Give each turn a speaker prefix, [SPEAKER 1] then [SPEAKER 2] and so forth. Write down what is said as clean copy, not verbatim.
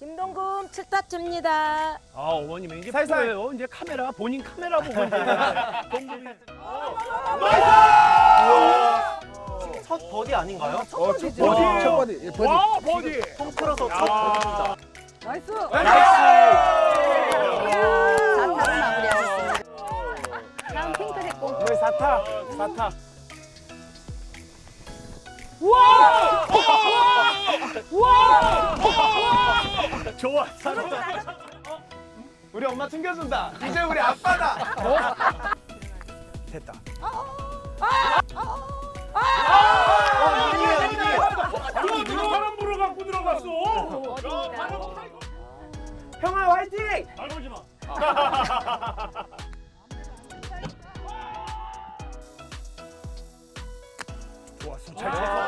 [SPEAKER 1] 김동금 7타점입니다.
[SPEAKER 2] 아, 어머님 이제
[SPEAKER 3] 살살.
[SPEAKER 2] 프로예요. 이제 카메라 본인 카메라 보고 이제 동금이.
[SPEAKER 3] 첫 버디 아닌가요?
[SPEAKER 4] 첫 버디. 예, 버디.
[SPEAKER 2] 와, 버디.
[SPEAKER 3] 통틀어서 첫 버디입니다.
[SPEAKER 1] 나이스.
[SPEAKER 3] 나이스!
[SPEAKER 1] 4타로 마무리하셨습니다. 다음 핑크색 공.
[SPEAKER 3] 오늘 4타.
[SPEAKER 2] 좋아.
[SPEAKER 3] 우리 엄마 챙겨준다. 이제 우리 아빠다.
[SPEAKER 2] 됐다.
[SPEAKER 3] 이기네요.
[SPEAKER 2] 사람 보러 갖고 들어갔어.
[SPEAKER 3] 형아 화이팅!
[SPEAKER 2] 말 걸지 마. 좋았어. 잘 쳤어.